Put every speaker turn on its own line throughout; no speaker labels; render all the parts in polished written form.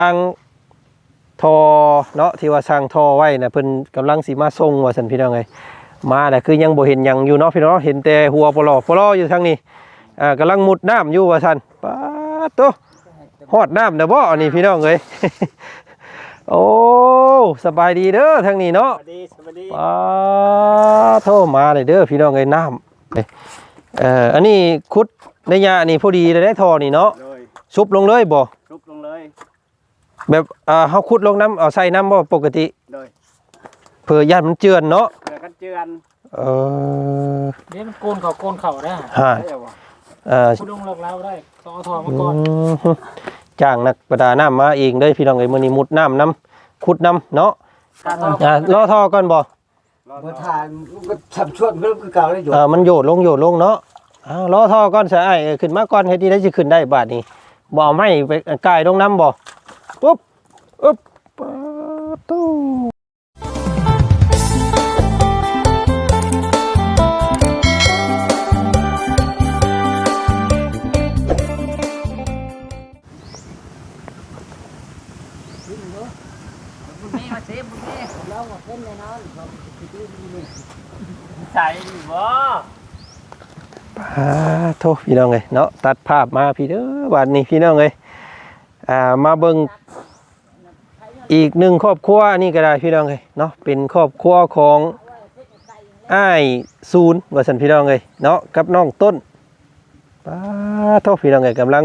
ทางทอเนาะที่ว่าสร้างทอไว้นะเพิ่นกำลังสิมาส่งว่าซั่นพี่น้องเอ้ยมาแต่คือยังบ่เห็นหยังอยู่เนาะพี่น้องเห็นแต่หัวปลออยู่ทางนี้กำลังมุดน้ำอยู่ว่าซั่นป๊าดโตฮอดน้ำเด้อบ่อันนี้พี่น้องเอ้ย โอ้สบายดีเด้อทางนี้เนาะสบายดีป๊าดโทมาเลยเด้อพี่น้องเอ้ยน้ำอันนี้ขุดในยะนี่พอดีเลยได้ทอนี่เนาะชุบลงเลยบ่ชุบลงเลยแบบเฮาขุดลงน้ำเอาใส่น้ำบ่ปกติเพื่อย่านมันเจือนเนาะเพื่อกันเจือน
เดี๋ยวมันโกนเขาได้ขุดลงหลอกเราได้ต้องเอาทอมาก่อน
จ้างนักประดาน้ำมาเองเด้อพี่น้องเอ้ยมื้อนี้มุดน้ำขุดน้ำเนาะรอทอก่อนบ่
บ่ทานก็ทำชวนก็คือเก่าได้อยู่
มันโยดลงเนาะรอทอก่อนซะอ้ายขึ้นมาก่อนเฮ็ดได้สิขึ้นได้บาดนี้บ่เอาไม้ไปกายลงน้ำบ่ปุ๊บอึ๊บตู้
ใส่บ่
โทษพี่น้องเอ้ยเนาะตัดภาพมาพี่เด้อวันนี้พี่น้องเอ้ยมาเบิ่งอีกหนึ่งครอบครัวนี่ก็ได้พี่น้องเอ้ยเนาะเป็นครอบครัวของอ้ายศูนย์ว่าซั่นพี่น้องเอ้ยเนาะกับน้องต้นโทษพี่น้องเอ้ยกำลัง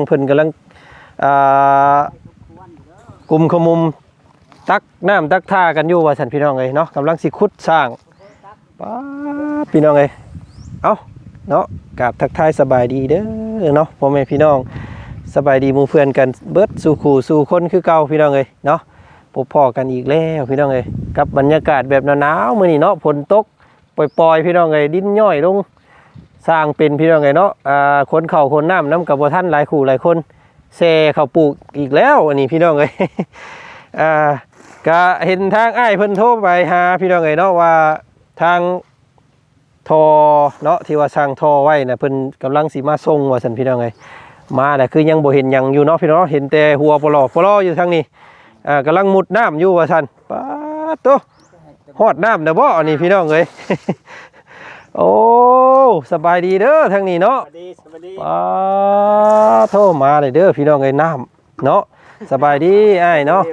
กลุ่มขมุมตักน้ำตักท่ากันอยู่ว่าซั่นพี่น้องเอ้ยเนาะกำลังสิขุดสร้างพี่น้องเอ้ยเอ้าเนาะกราบทักทายสบายดีเด้อเนาะพ่อแม่พี่น้องสบายดีหมู่เพื่อนกันเบิดสู่ขู่สู่คนคือเก่าพี่น้องเอ้ยเนาะพบพ่อกันอีกแล้วพี่น้องเอ้ยกับบรรยากาศแบบหนาวๆมื้อนี้เนาะฝนตกปล่อยๆพี่น้องเอ้ยดินย่อยลงสร้างเป็นพี่น้องเอ้ยเนาะคนเข้าคนน้ำกับบ่ทันหลายคู่หลายคนแซ่เข้าปลูกอีกแล้วอันนี้พี่น้องเอ้ยก็เห็นทางอ้ายเพิ่นโทรไปหาพี่น้องเอ้ยเนาะว่าทางทอเนาะที่ว่าสร้างทอไว้นะเพิ่นกำลังสิมาส่งว่าซั่นพี่น้องเอ้ยมาแต่คือยังบ่เห็นหยังอยู่เนาะพี่น้องเห็นแต่หัวปลออยู่ทางนี้กำลังมุดน้ำอยู่ว่าซั่นป๊าดโตฮอดน้ำเด้อบ่อันนี้พี่น้องเอ้ย โอ้สบายดีเด้อทางนี้เนาะสบายดีป๊าดโทมาเลยเด้อพี่น้องเอ้ยน้ำเนาะสบายดีอ้ายเนาะ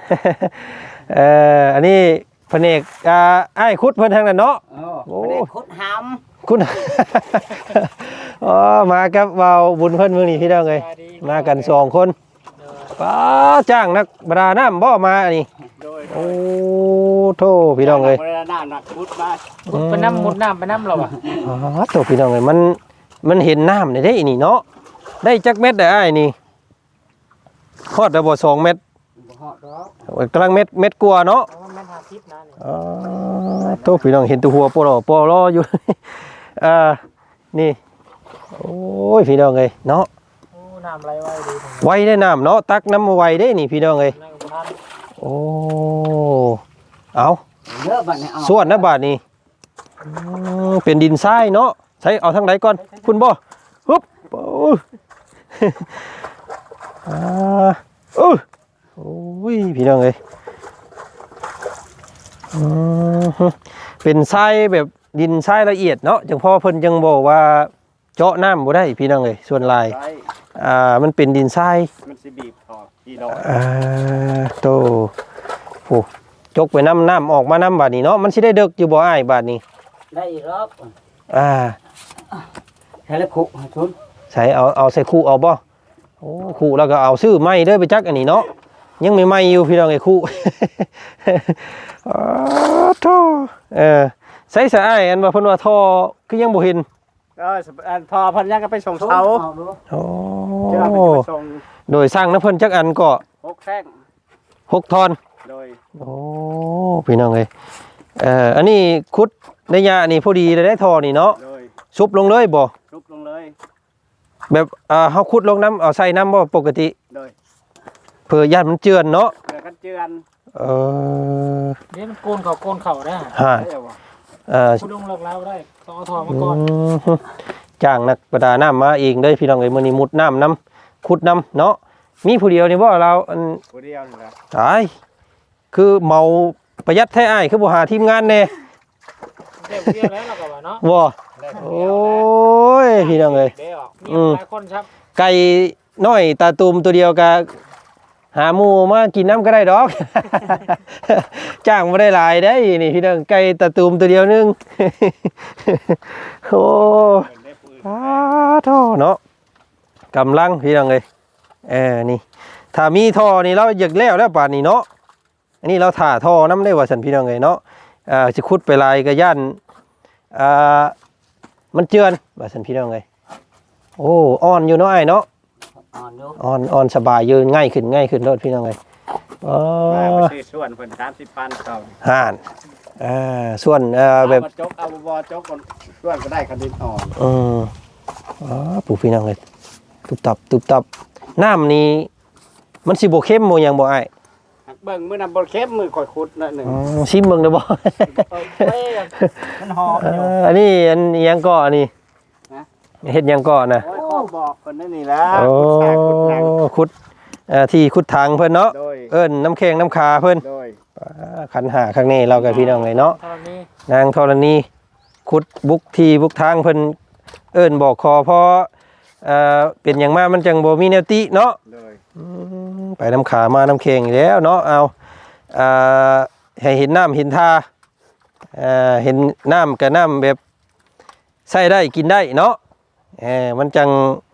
อันนี้แผนกอ้ายขุดเพิ่นทางนั้นเนาะ
โอ้ขุดหำ
ขุด มากับเบาบุญเพิ่นมื้อนี้พี่น้องเอ้ยมากัน2คนจ้างนักประดาน้ำบ่มาอันนี้โอ้โธ่พี่น้องเอ้ย
ประดาน้ำนักขุดมา
ไปน้ำมุดน้ำไปน้ำเราอ่ะ
โธ่พี่น้องเอ้ยมันเห็นน้ำได้นี่เนาะได้จักเม็ดได้อ้ายนี่ฮอดได้บ่2เม็ดกำลังเม็ดกลัวเนาะโตพี่น้องเห็นตัวหัวปลออยู่นี่โอ้ยพี่น้องเอ้ยเนาะ
น้ำไหลไวดี
ไวได้น้ำเนาะตักน้ำมาไวได้นี่พี่น้องเอ้ยโอ้เอาส่วนนะบาทนี่เป็นดินทรายเนาะใช้เอาทางไหนก่อนคุณบ่ฮึบโอ้ยพี่น้องเอ้ยเป็นทรายแบบดินทรายละเอียดเนาะจังพ่อเพิ่นยังบอกว่าเจาะน้ำบ่ได้พี่น้องเอ้ยส่วนลายมันเป็นดินทราย
มันสิบีบออกกี่ดอก
โตโอ้จกไปน้ำออกมาน้ำบาดนี้เนาะมันสิได้เดึกอยู่บ่อ้ายบาดนี้
ได้อีกรอบ
ใช้แล้วคู่ชุนใช้เอาใส่คู่เอาบ่โอ้คู่แล้วก็เอาซื้อไม้เด้อไปจักอันนี้เนาะยังไม่อยู่พี่น้องไอ้คู่โธ่ใส่สายอันว่าเพิ่นว่าท่อคือยังบ่เห็น
ท่อเพิ่นยังก็ไปส่งเสา
โอ้โดยสร้างน้ำเพิ่นจักอันก็
6แท่ง
6ท่อน
โดย
โอ้พี่น้องเอ้ยอันนี้ขุดในยะนี่พอดีเลยได้ท่อนี่เนาะชุบลงเลยบ่
ชุบลงเลย
แบบเฮาขุดลงน้ำเอาใส่น้ำบ่ปกติเพื่อย่านมันเจือนเนาะ
เพื่อกันเจือน
เดี๋ยวมันโกนเขาได้ขุดลงหลอกเราได้ต้องเอาทอมาก่อน
จ้างนักประดาน้ำมาเองเด้อพี่น้องเอ้ยมื้อนี้มุดน้ำขุดน้ำเนาะมีผู้เดียวนี่บ่เราอัน
ผู้เดียวนี่ล่ะ
ตายคือเมาประหยัดแท้อ้ายคือบ่หาทีมงานแน่
เด็กเดียวแล้วเราก็ว่าเนาะ
บ่โอ้ยพี่น้องเอ้ย
เดี๋ยวมีหลายคนครับ
ไก่น้อยตาตูมตัวเดียวก็หาหมู่มากินน้ำก็ได้ดอก จ้างบ่ได้หลายได้นี่พี่น้องไก่ตาตูมตัวเดียวนึง โอ้อ้าท่อเนาะกำลังพี่น้องเอ้ยนี่ถ้ามีท่อนี่เราอยากแล้วป่านนี้เนาะอันนี้เราถ่าท่อน้ำได้ว่าซั่นพี่น้องเอ้ยเนาะสิขุดไปลายก็ย่านมันเจือนว่าซั่นพี่น้องเอ้ยโอ้อ่อนอยู่เนาะอ้ายเนาะ
อ่อนอยู่
อ่อนสบายยืนง่ายขึ้นรถพี่น้องเอ้ย
มาไปซื้อส่วนเพิ่น30ปันเขา
ห่านส่วนแบบ
เอามาจกเอาบ่จกก่อนส่วนก็ได้คันดินอ่อน
ปู่พี่น้องเอ้ยตุบตับน้ำนี้มันสิบ่เข้มบ่หยังบ่อ้าย
เบิ่งมื้อนั้นบ่เข้มมือข่อยขุดหน่อยหนึง
ชิมเบิ่งได้บ่
มันหอมอยู่
อันนี้อันอิหยังก่ออันนี้เฮ็ดหยังก่อนะ
โอ้ยขอบอกเพิ่นนั่นนี่แหละ
โอ้
ขุดหนัง
ขุดที่ขุดทางเพิ่นเนาะ
โดย
เอิ้นน้ำแข็งน้ำคาเพิ่น
โดย
ขันหาข้างนี้เรากับพี่น้องเลยเนาะ
ตอนนี้
นางธรณีขุดบุกที่บุกทางเพิ่นเอิ้นบอกคอเพราะเป็นอย่างมากมันจังบ่มีแนวติเนาะ
โดย
ไปน้ำขามาน้ำแข็งอีกแล้วเนาะเอาให้เห็นน้ำเห็นท่าเห็นน้ำกับน้ำแบบใส่ได้กินได้เนาะมันจัง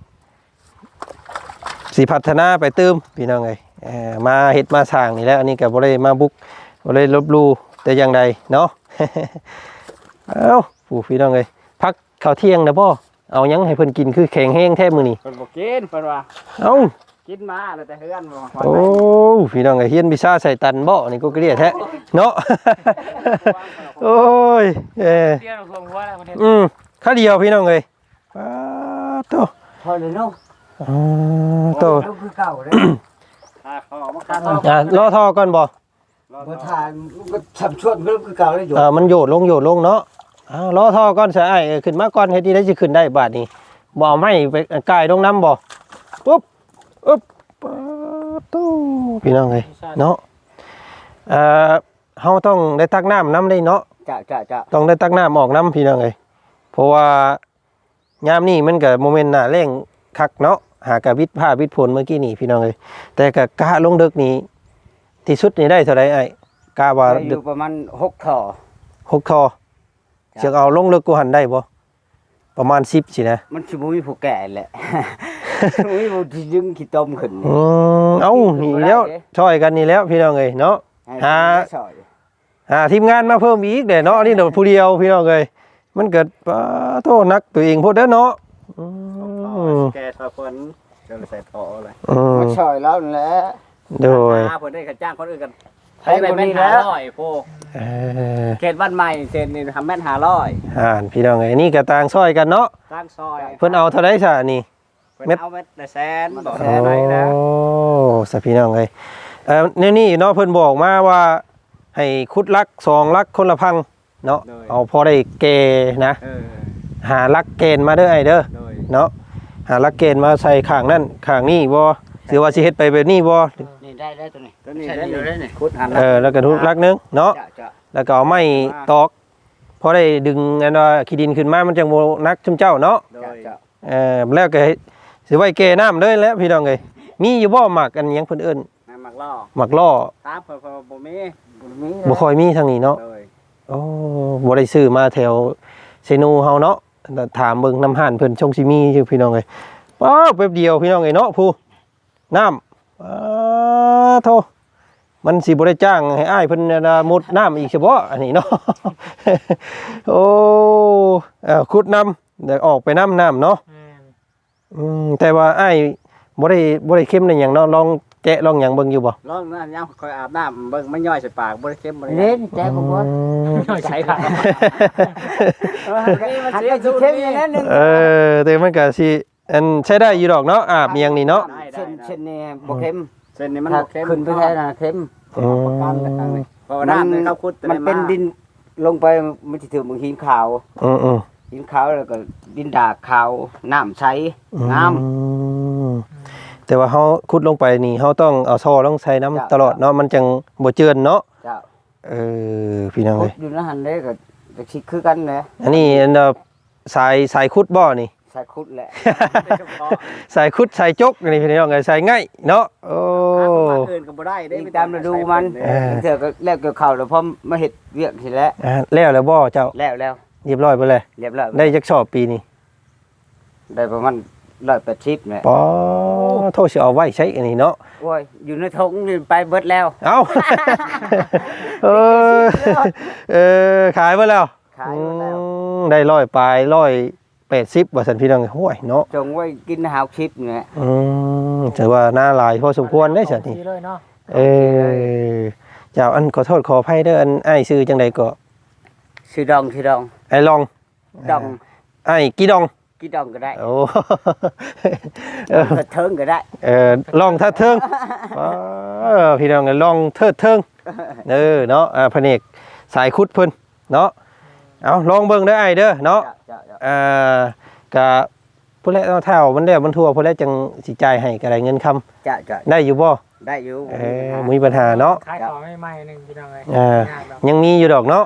สิพัฒนาไปเติมพี่น้องเอ้ยมาเฮ็ดมาสร้างนี่แหล้วอันนี้ก็บ่ได้มาบุกบ่ได้ลบหลู่แต่อย่างใดเนาะ เอ้าผู้พี่น้องเอ้ยพักข้าวเที่ยงนะบ่เอาหยังให้เพิ่นกินคือแข็งแห้งแท้มื้อนี้
เพิ่นบ่กินเพิ่นว่า
เอ้า
กินมาแล้วแต่เฮือนบ่
โอ้พี่น้องเอ้ยเฮียนวิชาใส่ตันบ่นี่ก็เกลียดแท้เนาะ โอ้ย
เตี้ยลงหัวแล้วประเทศ
ข้าเดียวพี่น้องเอ้ยป๊าดโต
พอเลยเนาะ
โต
ลูกคือเก่าเด้ถ้าขอมาคัน
รอท่อก่อนบ่
บ่ทานลูกก็ทำชวนลูกคือเก่าเลยอยู่
มันโยดลงเนาะรอท่อก่อนซะไอ้ขึ้นมาก่อนเฮ็ดดีได้สิขึ้นได้บาดนี้บ่เอาไม้ไปกายลงน้ำบ่ปุ๊บอึ๊บป๊าดโตพี่น้องเอ้ยเนาะเฮาต้องได้ตักน้ำได้เนาะ
จะ
ต้องได้ตักน้ำออกน้ำพี่น้องเอ้ยเพราะว่ายามนี้มันก็โมเมนต์หน้าแรงคักเนาะหากะวิทย์ผ้าวิทย์ผลเมื่อกี้นี่พี่น้องเอ้ยแต่ก็กะลงดึกนี่ที่สุดนี่ได้เท่าไรไอ้กะว่า
อ
ดึ
ยู่
ก
ประมาณ6ท่อ
6 ทอเชือกเอาลงลึกกูหันได้บ่ประมาณ10สินะ
มันสิบ่มีผู้แก่แหละ บ่มีผู้ที่ดึงขี้ต้มขึ้น
เอ้านี่แล้วช่วยกันนี่แล้วพี่น้องเอ้ยเนาะ หาทีมงานมาเพิ่มอีกเด้เนาะนี่เดี๋ยวผู้เดียวพี่น้องเอ้ยมันเกิดโทษนักตัวเองพูดเด้อเนาะ
แกซอยเพิ่นจะใส่ท่อเลย
มา
ช่วยแล้วนั่นแหละ
โดย
เพิ่นได้ค่าจ้างคนอื่นกัน
ใช้ไปแม่น500โพ
เขตบ้านใหม่เซนนี่ทำแม่น500
พี่น้องเอ้ยนี่ก็ต่างซอยกันเนาะ
สร้างซอย
เพิ่นเอาเท่าไรซะนี่
เพิ่นเอาเม็ดละแสนบอก
โอ้สะพี่น้องเอ้ยนี่เนาะเพิ่นบอกมาว่าให้คุดลัก2ลักคนละพังเนาะเอาพอได้เกนะหาลักเกณฑ์มาเด้อไอ้เด้อเนาะหาลักเกณฑ์มาใส่ข้างนั่นข้างนี้บ่หรือว่าสิเฮ็ดไปแบบนี้บ่
นี่ได้แล้วตัวนี้ได้นี่คุดหัน
แล้วก็ทุกลักนึงเนาะ
จะ
แล้วก็เอาไม้ตอกพอได้ดึงอันว่าขี้ดินขึ้นมามันจังบ่นักชุมเจ้าเนาะ
จะ
แล้วก็สิไว้แก่น้ำเลยแล้วพี่น้องเอ้ยมีอยู่บ่หมักอันหยังเพิ่นเอิ้น
น้ำหมักล่อ
หมักล่อ
ตามเพิ่นบ่มี
บ่ค่อยมีทางนี้เนาะ
เลย
โอ้บ่ได้ซื้อมาแถวเซนูเฮาเนาะแต่ถามเบิ่งน้ำห่านเพิ่นชงสิมีอยู่พี่น้องเอ้ยป๊าบแป๊บเดียวพี่น้องเอ้ยเนาะผู้น้ำโธ่มันสิบ่ได้จ้างให้อ้ายเพิ่นมุดน้ำอีกเฉพาะอันนี้เนาะ โอ้ขุดน้ำเดี๋ยวออกไปน้ำเนาะแต่ว่าอ้ายบ่ได้เข้มในหยังเนาะลองแกะลองหยังเบิ่งอยู่บ่
ลองน้ำยามคอยอาบน้ำเบิ่งมันย่อยใส่ปากบ่ได้เค็มบ่ได้
เล่นแจ๊กบ่บ่
ย่อยใช้ค่ะ
อันนี้สิเข้มอย่างนั้นนึง
แต่มันก็สิอันใช้ได้อยู่ดอกเนาะอาบอีหยังนี่เนาะ
เช่นนี่บ่เข้ม
เส้นนี้มัน
ถ้า
บ่เค็ม
ขึ้นไปแท้น่ะเข้ม
เพราะว่าน้ำนี่เขาขุด
มันเป็นดินลงไปมันสิถึงบางหินขาว
อือ
หินขาวแล้วก็ดินดากขาวน้ำใสงาม
แต่ว่าเฮาขุดลงไปนี่เฮาต้องเอาซอลงใส่น้ำตลอดเนาะมันจังบ่เจือนเนาะ
เจ้า
พี่น้อง
ขุ
เอ้
ด
ย
อยู่ในหันได้ก็จะคิดคือกันแหละ
อันนี้อันสายขุดบ่นี่
ใส่ขุดแหละ
สายขุดสายจกนี่พี่น้องเอ้ยสายง่ายเนาะโอ้
เกินก็บ่ได้เด้
นี่ตามฤดูมันเถื่อก็แล้วเกี่ยวข้าวแล้วพอมาเฮ็ดเวียกสิแล้ว
แล้วบ่เจ้า
แล้ว
เรียบร้อยไปเลย
เรียบร้อย
ได้จักสอบปีนี้
ได้ประมาณ180แหละ
ปอโทษสิเอาไว้ใช้อันนี้เนาะ
โอ้ยอยู่ในทงนี่ไปเบิดแล้ว
เอ้า ขายไปแล้ว
ขายหมดแล้ว
ได้100ปลาย180ว่าซั่นพี่น้องโอ้ยเนาะ
จงไว้กินหาวชิปเนี่ย
ถือว่าหน้าหลายพอสมควรได้ซั่นนี่
ดีเลยเนาะ
เจ้าอันขอโทษขออภัยเด้ออันอ้ายชื่อจังไดก็
ชื่อดอง
ไอ้ลอง
ดอง
ไอ้กี่ดอง
กี่ดองก็ได้
โอ้
กระเทิงก็ได้
ลองทัดเทิงพี่น้องลองเทิดเทิงเนาะแผนกสายคุดเพิ่นเนาะเอาลองเบิ่งเด้อไอ้เด้อเนาะกะผู้แลเท่ามันแล้วมันทั่วผู้แลจังสิจ่ายให้ก็ได้เงินคำ
จะ
ได้อยู่บ่
ได้อยู่
มีปัญหาเนาะ
ขายของใหม่ๆนึงพี่น้องเอ้ย
ยังมีอยู่ดอกเนาะ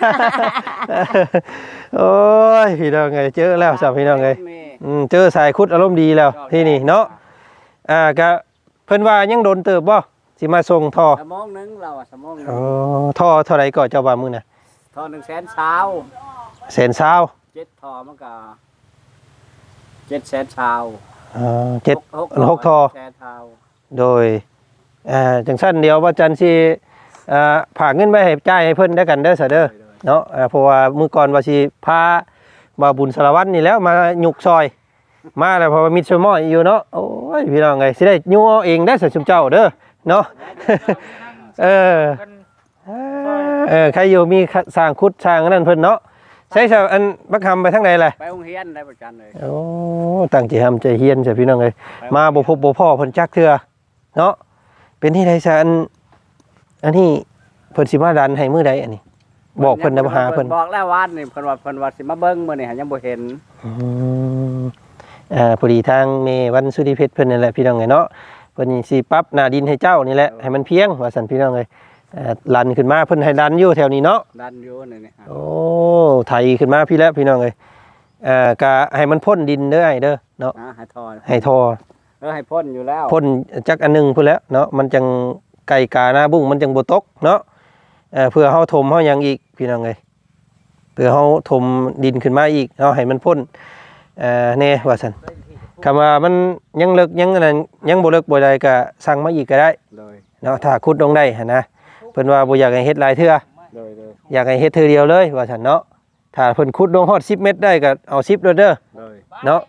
โอ้ยพี่น้องไงเจอแล้วสับพี่น้องไงเจอสายคุดอารมณ์ดีแล้วที่นี่เนาะก็เพิ่นว่ายังโดนเติบบ่สิมาส่งท่อ
สมองนึงเราสมองนึง
ท่อเท่าไหร่ก็เจ้าว่ามื้อน่ะ
ทอ100,000เช้า
แสนซาว
7ทอมันก็700,000เช้า
6ท่อ
แสนเช้า
โดยจังซั่นเดียวว่าจันสิฝากเงินไว้ให้จ่ายให้เพิ่นได้กันเด้อซะเด้อเนาะเพราะว่ามื้อก่อนว่าสิพาบ่าวบุญสารวัตรนี่แล้วมายุกซอยมาแล้วเพราะว่ามิตรสมอยอยู่เนาะโอ้ยพี่น้องไงสิได้ยัวเองได้สิชุมเจ้าเด้อเนาะ ใครอยู่มีสร้างคุดสร้างนั่นเพิ่นเนาะใช้อันบักคำไปทางไหนเลย
ไปโรงเรียนได้ประจันเลย
โอ้ตั้งใจทำใจเฮียนใช่พี่น้องเลยมาบ่พบบ่พ่อเพิ่นจักเทื่อเนาะเป็นที่ใดซะอันนี้เพิ่นสิมาดันให้มื้อใดอันนี้บอกเพิ่นนำหาเพิ่น
บอกแล้ววันนี่เพิ่นว่าสิมาเบิ่งมื้อนี่ยังบ่เห็น
พอดีทางเมวันสุริเพชรเพิ่นนั่นแหละพี่น้องไงเนาะเพิ่นสิปรับหน้าดินให้เจ้านี่แหละให้มันเพียงว่าซั่นพี่น้องเอ้ยลันขึ้นมาเพิ่นให้ดันอยู่แถวนี้เนาะ
ดันอยู่นี่
โอ้ไถขึ้นมาพี่แล้วพี่น้องเอ้ยก็ให้มันพ่นดินเด้อไอ้เด้อเนาะ
ให้ทอ
ให้ทอ
ให้พ่นอยู่แล้ว
พ่นจักอันนึงพุ่นแล้วเนาะมันจังไก่กาหน้าบุ้งมันจังบ่ตกเนาะเพื่อเฮาถมเฮาหยังอีกพี่น้องเอ้ยเพื่อเฮาถมดินขึ้นมาอีกเนาะให้มันพ่นแน่ว่าซั่นคำว่ามันยังเลิกยังอันนั้นยังบ่เลิกบ่ได้ก็สั่งมาอีกก็ได้
เลย
เนาะถ้าขุดลงได้หั่นนะเพิ่นว่าบ่อยากให้เฮ็ดหลายเทื่อ
เลย
อยากให้เฮ็ดเทื่อเดียวเลยว่าซั่นเนาะถ้าเพิ่นขุดลงฮอด10เมตรได้ก็เอา10เด้อ
เลย
เนาะ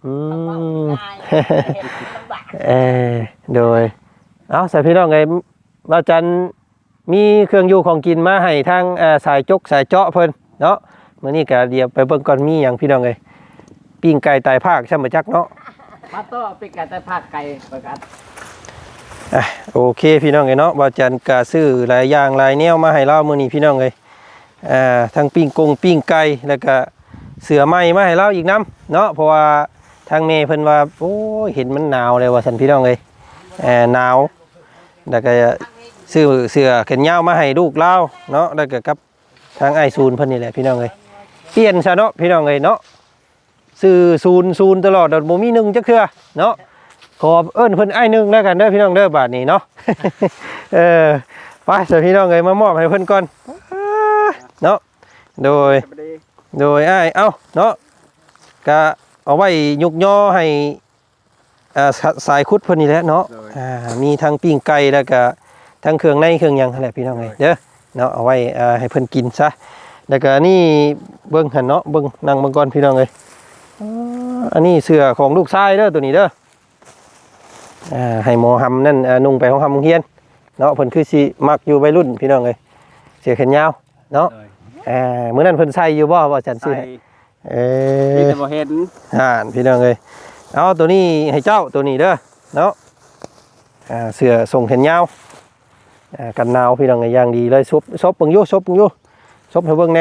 โดยเอาใส่พี่น้องไงว่าจันมีเครื่องอยู่ของกินมาให้ทางสายจกสายเจาะเพิ่นเนาะมื้อนี้ก็เดี๋ยวไปเบิ่งก่อนมีหยังพี่น้องเอ้ยปิ้งไก่ตายภาคช่ำบ่จักเนาะ
มาต่อปิกไก่แต่ภาคไก่ประกาศ
โอเคพี่น้องเอ้ยเนาะว่าจันก็ซื้อหลายอย่างหลายแนวมาให้เรามื้อนี้พี่น้องเอ้ยทั้งปิ้งไก่แล้วก็เสือไหม้มาให้เราอีกน้ำเนาะเพราะว่าทางเมย์เพิ่นว่าโอ้ยเห็นมันหนาวเลยว่าซั่นพี่น้องเอ้ยหนาวแล้วก็ซื้อเสือแขนยาวมาให้ลูกเราเนาะแล้วก็กับทางไอ้ศูนย์เพิ่นนี่แหละพี่น้องเอ้ยเปลี่ยนซะเนาะพี่น้องเอ้ยเนาะซื้อศูนย์ตลอดบ่มี1จักเทื่อเนาะขอเอิ้นเพิ่นไอ้1แล้วกันเด้อพี่น้องเด้อบาดนี้เนาะ ไปเสิพี่น้องเอ้ยมามอบให้เพิ่นก่อนเนาะโดยอ้ายเอ้าเนาะก็เอาไว้ยุกย่อให้สายคุดเพิ่นนี่แหละเนาะมีทั้งปิ้งไก่แล้วก็ทั้งเครื่องในเครื่องหยังนั่นแหละพี่น้องเอ้ยเด้อเนาะเอาไว้ให้เพิ่นกินซะแล้วก็นี่เบิ่งหั่นเนาะเบิ่งนั่งเบิ่งก่อนพี่น้องเอ้ยอันนี้เสื้อของลูกชายเด้อตัวนี้เด้อให้หมอหำนั่นนุ่งไปของหำโรงเรียนเนาะเพิ่นคือสิมักอยู่วัยรุ่นพี่น้องเอ้ยเสื้อแขนยาวเนาะมื้อนั้นเพิ่นใส่อยู่บ่ว่าจันซื้อให้
ที่จะบ่เห็น
พี่น้องเอ้ยเอาตัวนี้ให้เจ้าตัวนี้เด้อเนาะเสื้อทรงแขนยาวกันหนาวพี่น้องเอ้ยอย่างดีเลยซบเบิ่งอยู่ซบให้เบิ่งแน่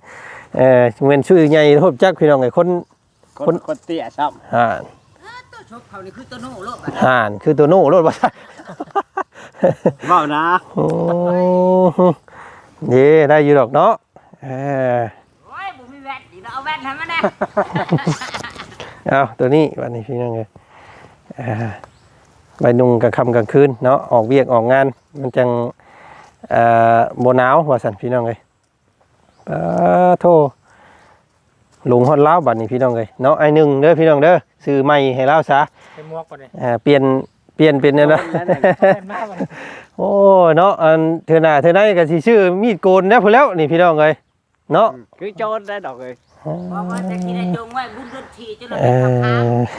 เว้นชื่อใหญ่โทษจักพี่น้องเอ้ยคน
เตี้ยซ้ำชกเขานี่คือตัวโน่โลดบัด
ห่านคือตัวโน่รถว่าซั่น
เว้านะ
โอ้นี่ได้อยู่ดอกเนาะเออ
โอ้ยบ่มีแว่นอีกแล้วเอาแว่นให้มันแน่
เอาตัวนี้วันนี้พี่น้องเอ้ยใบนุ่งกลางค่ำกลางคืนเนาะออกเวียกออกงานมันจังบ่หนาวว่าซั่นพี่น้องเอ้ยโทหลงฮอดลาวบัดนี้พี่น้องเอ้ยเนาะไอ้หนึ่งเด้อพี่น้องเด้อซื้อใหม่ให้ลาวซะ
ใส่หมวกก่อนเลย
เปลี่ยนเป็นเนี่ยนะ
มาก่อน
โอ้เนาะอันเธอหน้าเธอไหนก็สิชื่อมีดโกนนะพุ่นแล้วนี่พี่น้องเอ้ยเนาะ
คือโจรได้ดอกเลย
เพราะว่าจะกินได้จงไว้บุญเดือนทีจะเลย
เอ
ไปทำหา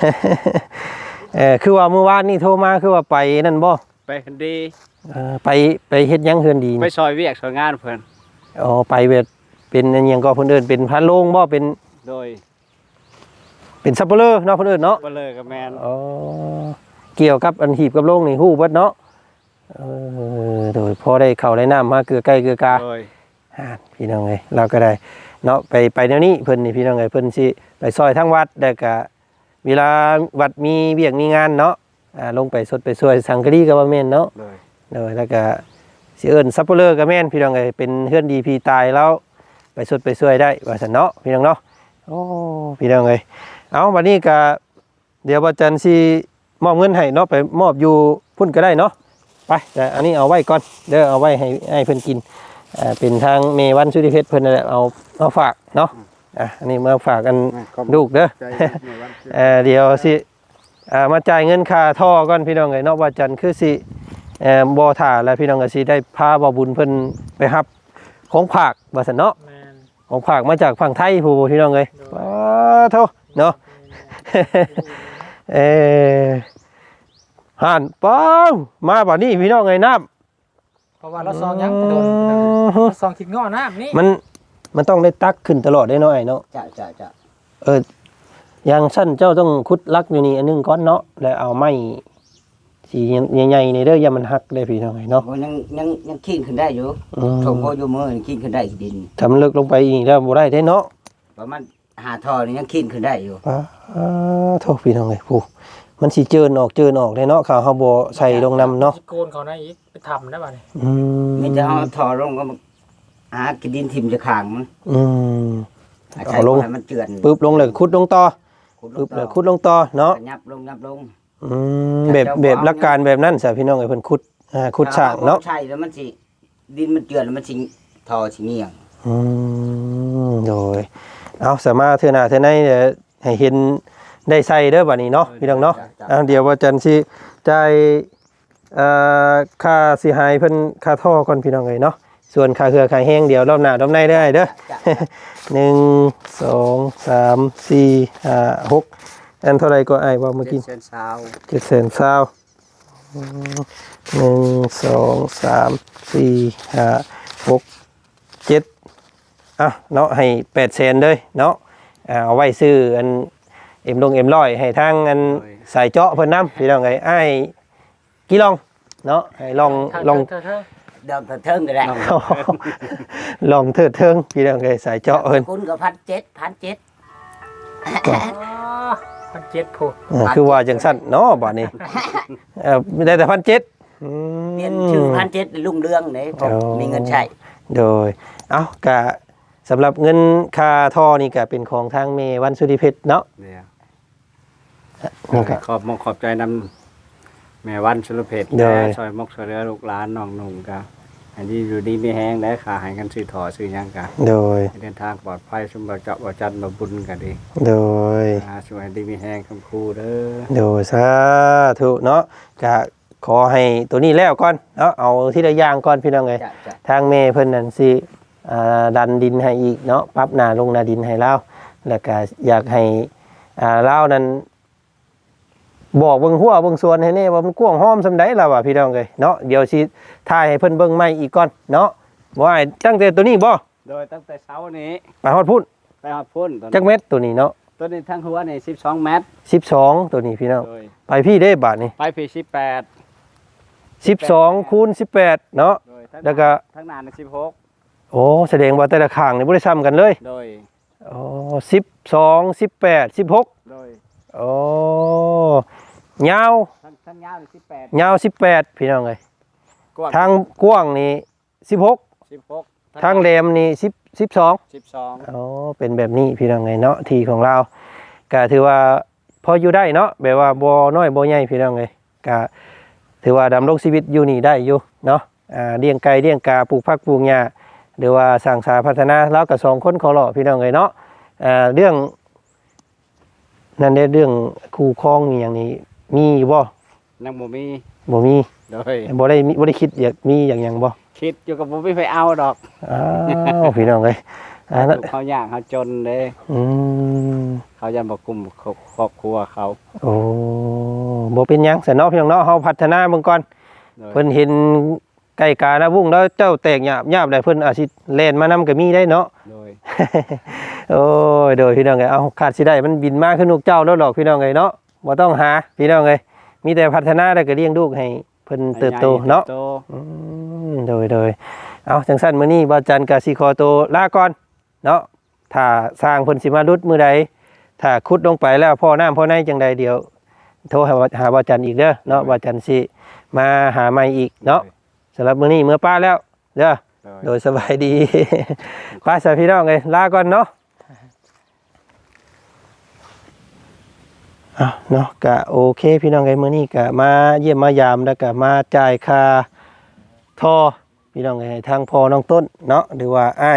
คือว่าเมื่อวานนี่โทรมาคือว่าไปนั่นบ่
ไปดี
ไปเฮ็ดหยังเฮือนดี
ไป
นี่
ซอยเวียกซอยงานเพิ่น
อ๋อไปแบบเป็นอันหยังก็เพิ่นเอิ้นเป็นพันโรงบ่เป็น
โดย
ซัปเปอร์เลอร์เนาะเพิ่นเอิ้นเนาะ
บ่เลยกับแมน
อ๋อเกี่ยวกับอันหีบกับโรงนี่ฮู้เบิดเนาะโดยพอได้เข้าได้น้ำมาเกลือใกล้เกลือกา
โดย
พี่น้องเอ้ยเราก็ได้เนาะไปแนวนี้เพิ่นนี่พี่น้องเอ้ยเพิ่นสิไปซอยทั้งวัดแล้วก็เวลาวัดมีเวียกมีงานเนาะลงไปสดไปช่วยสังฆรีก็บ่แม่นเนาะ
โดย
แล้วก็สิเอิ้นซัปเปอร์เลอร์ก็แม่นพี่น้องเอ้ยเป็นเฮือนดีพี่ตายแล้วไปสดไปช่วยได้ว่าซั่นเนาะพี่น้องเนาะโอ้พี่น้องเอ้ยเอาบัดนี้ก็เดี๋ยวบ่จันทร์สิมอบเงินให้เนาะไปมอบอยู่พุ่นก็ได้เนาะไปแต่อันนี้เอาไว้ก่อนเด้อเอาไว้ให้เพิ่นกินเป็นทางเมวันสุริเพชรเพิ่นนั่นแหละเอาฝากเนาะอันนี้มาฝากกันลูกเด้อ เดี๋ยวสิมาจ่ายเงินค่าท่อก่อนพี่น้องเอ้ยเนาะว่าจันทร์คือสิบ่ท่าแล้วพี่น้องก็สิได้พาบ่บุญเพิ่นไปรับของฝากว่าซั่นเนาะ
แมน
ของฝากมาจากฝั่งไทยผู้พี่น้องเอ้ยโธ่เนาะ ห่านป้องมาบัดนี้พี่น้องเอ้ยน้ำ
เพราะว่าเราซองยังโดนเราซองคิดง้อน้ำนี่
มันต้องได้ตักขึ้นตลอดได้เนาะไอ้เนาะ
จะ
อย่างสั้นเจ้าต้องคุดลักอยู่นี่อันนึงก้อนเนาะแล้วเอาไม้สีใหญ่ๆนี่เด้ออย่ามันหักได้พี่น้องไอ้เนาะ
โอ้ยังขี้ขึ้นได้อยู่ถงโบอยู่มือขี้ขึ้นได้ขี้ดิน
ทำลึกลงไปอีกแล้วบ่ได้เนาะ
ประมาณหาทอนี่ยังขี้ขึ้นได้อยู่
โทษพี่น้องเอ้ยผู้มันสิเจินออกได้เนาะข้าวเฮาบ่ใส่ลงน้ำเนาะ
โกนเขานะอีกไปทำได้ป่ะเนี่ย
มีแต่เอาทอลงก็หากินดินทิมจะขางมัน
เอาลง
ให้มันเจือน
ปึ๊บลงเลยขุดลงต่อปึ๊บเลยขุดลงต่อเนาะ
ยับลง
แบบหลักการแบบนั้นซะพี่น้องเอ้ยเพิ่นขุดสร้างเนาะ
ใช่แล้วมันสิดินมันเจือนแล้วมันสิทอสิเงี่ยง
โดยเอาสามารถเทื่อหน้าเทื่อในเดี๋ยวให้เห็นได้ใส่เด้อบัดนี้เนาะพี่น้องเนาะเดี๋ยวว่าจันสิจ่ายค่าสิหายเพิ่นค่าท่อก่อนพี่น้องเอ้ยเนาะส่วนค่าเครือค่าแห้งเดี๋ยวรอบหน้ารอบในได้เด้อ 1 2 3 4 5 6อันเท่าไรก็อ้ายว่าเมื่อกี้
เส้นซาว
720,000 1 2 3 4 5 6 7เนาะให้800,000เด้อเนาะเอาไว้ซื้ออันเอ็มร้อยให้ทางอันสายเจาะเพิ่นนำพี่น้องเอ้ยอ้ายกี่ลองเนาะให้ลอง
เธอ
เดิมเทิงก็ได้
ลองเถิดเทิงพี่น้องเอ้ยสายเจาะเพิ่น
คุณก็1,700
1,700ผู้
คือว่าจังซั่นเนาะบัดนี้ได้แต่1,700
เปลี่ยนชื่อ1,700ลุงเรืองเด้ผมมีเงินใช้
โดยกะสำหรับเงินค่าท่อนี่ก็เป็นของทางเมวันสุริเพชรเนาะ
เนี่ย
นี่ก็
ขอบใจนำแม่วันสุรเพชรและซอยมกซอยเรือลูกหลานน้องนุ่งกะอันนี้อยู่ดีไม่แห้งและขาหายกันซื้อถอซื้อหยังกะ
โดย
เดินทางปลอดภัยสมบัติเจาะบ่จันมาบุญกันดี
โดย
สวยดีมีแห้งคำคูเด้อ
โดยสาธุเนาะกะขอให้ตัวนี้แล้วก่อนเนาะเอาที่ละอย่างก่อนพี่น้องเอ้ย
จะ
ทางเมเพิ่นนั่นสิดันดินให้อีกเนาะปรับหน้าลงหน้าดินให้เราแล้วก็อยากให้เรานั้นบอกเบิ่งหัวเบิ่งสวนให้แน่ว่ามันกว้างหอมซำใดล่ะว่าพี่น้องเอ้ยเนาะเดี๋ยวสิถ่ายให้เพิ่นเบิ่งใหม่อีกก่อนเนาะบ่ให้ตั้งแต่ตัวนี้บ่
โดยตั้งแต่เช้านี้
ไปฮอดพุ่น
ไปหอดพุ่น
จักเม็ดตัวนี้เนาะ
ตัวนี้ทั้งหัวนี่12 เมตร
12ตัวนี้พี่น้อง
โดย
ไปพี่ได้บาทนี่
ไปพี18
12คูณ18เนาะ
โดย
แล้วก็
ทั้งนานใน16
โอ้แสดงว่าแต่ละข้างนี่บ่ได้ซ้ำกันเลย
โดย
อ๋อ12 18 16
โดย
โอ้ยาว
ทั้งยาวนี่18
ยาว18พี่น้องเอ้ย
กว้าง
ทางกว้างนี่16
16
ทางแหลมนี่12
12
อ๋อเป็นแบบนี้พี่น้องไงเนาะที่ของเราก็ถือว่าพออยู่ได้เนาะแบบว่าบ่น้อยบ่ใหญ่พี่น้องไงก็ถือว่าดำรงชีวิตอยู่นี่ได้อยู่เนาะเลี้ยงไก่เลี้ยงกาปลูกผักปลูกหญ้าหรือว่าสร้างสาพัฒนาแล้วก็2คนขอเลาะพี่น้องไงเนาะเรื่องนั่นได้เรื่องคู่ครองอหย่างนี้มีบ่
นังบ่มี
บ่มี
โดย
บ่ได้คิดอยากมีอย่างหยังบ่
คิดอยู่กับบ่มีไปเอาดอก
อ้าวพี่น้องเอ้ยนั่น
เขายากเขาจนเด้
อืม
เขายังบ่กลุ่มครอบครัวเขา
โอ้บ่เป็นหยังซะเนาะพี่น้องเนาะเฮาพัฒนาเบิ่งก่อน
โดย
เพิ่นเห็นไก่กานะวุ้งแล้วเจ้าแตกหยาบได้เพิ่นอาจสิแล่นมานำก็มีได้เนาะ
โดย
โอ้ยโดยพี่น้องเอ้ยเอาขาดสิได้มันบินมาขึ้นนกเจ้าแล้วหรอกพี่น้องเอ้ยเนาะบ่ต้องหาพี่น้องเอ้ยมีแต่พัฒนาแล้วก็เลี้ยงลูกให้เพิ่นเติบโตเนาะ
โต
โดยเอาจังซั่นมื้อนี้บ่าวจันก็สิขอตัวลาก่อนเนาะถ้าสร้างเพิ่นสิมารุดมื้อใดถ้าขุดลงไปแล้วพ่อน้ำพ่อในจังใดเดี๋ยวโทรหาบ่าวจันอีกเด้อเนาะบ่าวจันสิมาหาใหม่อีกเนาะสำหรับมื้อนี้มื้อป้าแล้วเด้อ โดยสบายดี ป้าสาวพี่น้องเลยลาก่อนเนาะเนาะกะโอเคพี่น้องเลยมื้อนี้กะมาเยี่ยมมายามแล้วกะมาจ่ายค่าท่อพี่น้องเลยทางพ่อน้องต้นเนาะหรือว่าอ้าย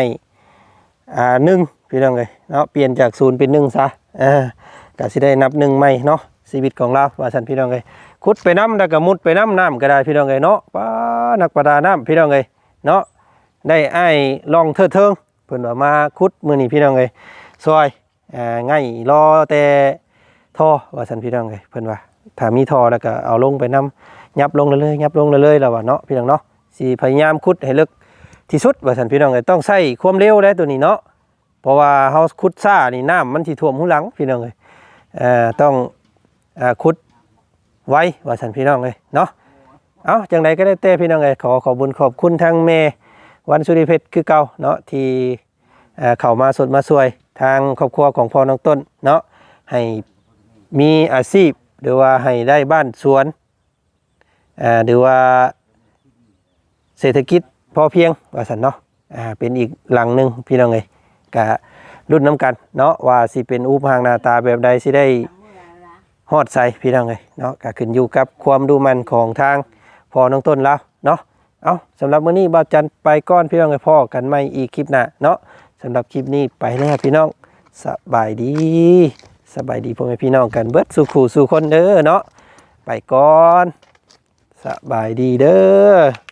1พี่น้องเลยเนาะเปลี่ยนจาก0เป็น1ซะกะสิได้นับ1ใหม่เนาะชีวิตของเราว่าซั่นพี่น้องเลยขุดไปน้ำแล้วก็มุดไปน้ำก็ได้พี่น้องเลยเนาะป้านักประดาน้ำพี่น้องเลยเนาะได้อ้ายลองเทิงเพิ่นว่ามาขุดมื้อนี้พี่น้องเลยซอยง่ายรอแต่ท่อว่าซั่นพี่น้องเลยเพิ่นว่าถ้ามีท่อแล้วก็เอาลงไปน้ำยับลงเลยยับลงเลยแล้วว่าเนาะพี่น้องเนาะสิพยายามขุดให้ลึกที่สุดว่าซั่นพี่น้องเลยต้องใช้ความเร็วได้ตัวนี้เนาะเพราะว่าเฮาขุดซ่านี่น้ำมันสิท่วมหูหลังพี่น้องเลยต้องขุดไว้ว่าซั่นพี่น้องเลยเนาะเอาจังไดก็ได้แต่พี่น้องเลยขอบคุญขอบคุณทางแม่วันสุริเพชรคือเก่าเนาะที่เข้ามาสดมาช่วยทางครอบครัวของพ่อน้องต้นเนาะให้มีอาชีพหรือว่าให้ได้บ้านสวนหรือว่าเศรษฐกิจพอเพียงว่าซั่นเนาะเป็นอีกหลังหนึงพี่น้องเอ้ยก็รุ่นน้ำกันเนาะว่าสิเป็นรูปร่างหน้าตาแบบใดสิได้ฮอดใส่พี่น้องเอ้ยเนาะก็ขึ้นอยู่กับความดูมันของทางพ่อน้องต้นแล้วเนาะเอาสำหรับมื้อนี้บ่าวจันไปก่อนพี่น้องให้พ่อกันใหม่อีกคลิปหน้าเนาะสำหรับคลิปนี้ไปแล้วพี่น้องสบายดีพ่อแม่พี่น้องกันเบิดสู่ขู่สู่คนเด้อเนาะไปก่อนสบายดีเด้อ